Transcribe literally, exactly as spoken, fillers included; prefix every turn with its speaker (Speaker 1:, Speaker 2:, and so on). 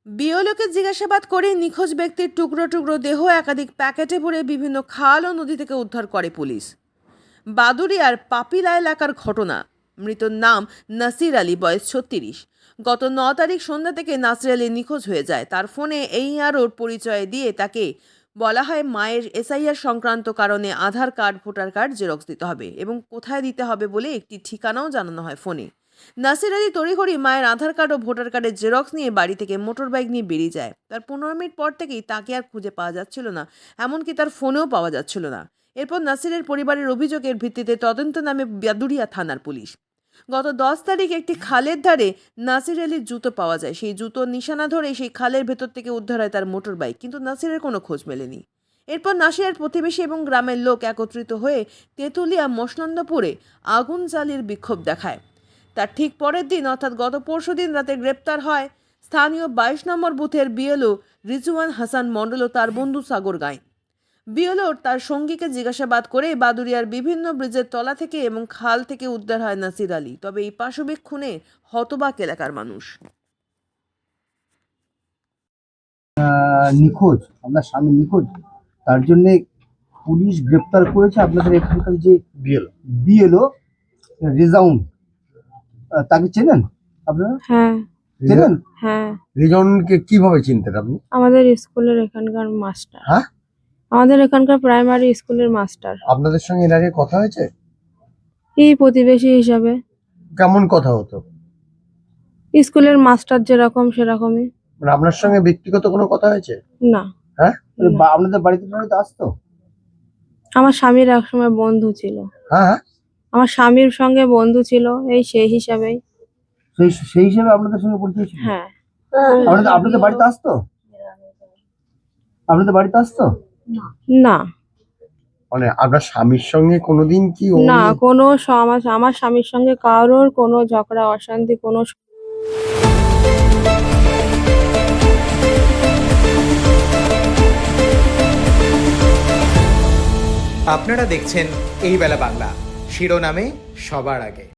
Speaker 1: বিওলোকে জিজ্ঞাসাবাদ করে নিখোঁজ ব্যক্তির টুকরো টুকরো দেহ একাধিক প্যাকেটে ভরে বিভিন্ন খাল ও নদী থেকে উদ্ধার করে পুলিশ। বাদুড়িয়ার পাপিলা এলাকার ঘটনা। মৃতর নাম নাসির আলী, বয়স ছত্রিশ। গত ন তারিখ সন্ধ্যা থেকে নাসির আলী নিখোঁজ হয়ে যায়। তার ফোনে এই আরোর পরিচয় দিয়ে তাকে বলা হয় মায়ের এসআইআর সংক্রান্ত কারণে Aadhaar card, voter card xerox দিতে হবে এবং কোথায় দিতে হবে বলে একটি ঠিকানাও জানানো হয় ফোনে। নাসির আলী তড়িঘড়ি মায়ের আধার কার্ড ও ভোটার কার্ডের জেরক্স নিয়ে বাড়ি থেকে মোটর বাইক নিয়ে বেরিয়ে যায়। তার পনেরো মিনিট পর থেকেই তাকে আর খুঁজে পাওয়া যাচ্ছিল না, এমনকি তার ফোনেও পাওয়া যাচ্ছিল না। এরপর নাসিরের পরিবারের অভিযোগের ভিত্তিতে তদন্ত নামে বাদুড়িয়া থানার পুলিশ। গত দশ তারিখ একটি খালের ধারে নাসির আলীর জুতো পাওয়া যায়। সেই জুতোর নিশানা ধরে সেই খালের ভেতর থেকে উদ্ধার হয় তার মোটর বাইক, কিন্তু নাসিরের কোনো খোঁজ মেলেনি। এরপর নাসিরের প্রতিবেশী এবং গ্রামের লোক একত্রিত হয়ে তেঁতুলিয়া মসনন্দপুরে আগুন জ্বালিয়ে বিক্ষোভ দেখায়। তার ঠিক পরের দিন অর্থাৎ গত পরশু দিন রাতে গ্রেপ্তার হয় স্থানীয় বাইশ নম্বর বুথের বিএলও রিজওয়ান হাসান মণ্ডল ও তার বন্ধু সাগর গাইন। বিএলওর তার সঙ্গীকে জিজ্ঞাসাবাদ করে বাদুড়িয়ার বিভিন্ন ব্রিজের তলা থেকে এবং খাল থেকে উদ্ধার হয় নাসির আলী। তবে এই পাশবিক খুনে হতবাক এলাকার মানুষ।
Speaker 2: আহ, নিখোঁজ, আপনার স্বামী নিখোঁজ, তার জন্য পুলিশ গ্রেপ্তার করেছে আপনাদের এখানকার যে বিএলও বিএলও রেজাউন। আহ, তাকে চেনেন আপনারা?
Speaker 3: হ্যাঁ
Speaker 2: চেনেন?
Speaker 3: হ্যাঁ
Speaker 2: রেজাউনকে কিভাবে চিনতেন আপনি?
Speaker 3: আমাদের স্কুলের এখানকার মাস্টার।
Speaker 2: হ্যাঁ,
Speaker 3: আমাদের এখানকার প্রাইমারি স্কুলের মাস্টার।
Speaker 2: আপনাদের সঙ্গে এর আগে কথা হয়েছে?
Speaker 3: এই প্রতিবেশী হিসাবে
Speaker 2: কেমন কথা হতো?
Speaker 3: স্কুলের মাস্টার যেরকম সেরকমই।
Speaker 2: মানে আপনার সঙ্গে ব্যক্তিগত কোনো কথা হয়েছে?
Speaker 3: না,
Speaker 2: হ্যাঁ,
Speaker 3: না।
Speaker 2: বা- আপনাদের বাড়িতে বাড়িতে আসতো?
Speaker 3: আমার স্বামীর একসময় বন্ধু ছিল।
Speaker 2: হ্যাঁ হ্যাঁ,
Speaker 3: আমার স্বামীর সঙ্গে বন্ধু ছিল, এই সেই হিসাবেই।
Speaker 2: সেই সেই হিসেবে আপনাদের সঙ্গে পরিচয় ছিল?
Speaker 3: হ্যাঁ।
Speaker 2: আপনাদের আপনাদের বাড়িতে আসতো? আপনাদের বাড়িতে আসতো?
Speaker 3: না
Speaker 4: মানে আপনার স্বামীর সঙ্গে কোনোদিন কি ও
Speaker 3: না কোনো স- আমার আমার স্বামীর সঙ্গে কারোর কোনো ঝগড়া অশান্তি কোনো
Speaker 5: আপনারা দেখছেন এই বেলা বাংলা, শিরোনামে সবার আগে।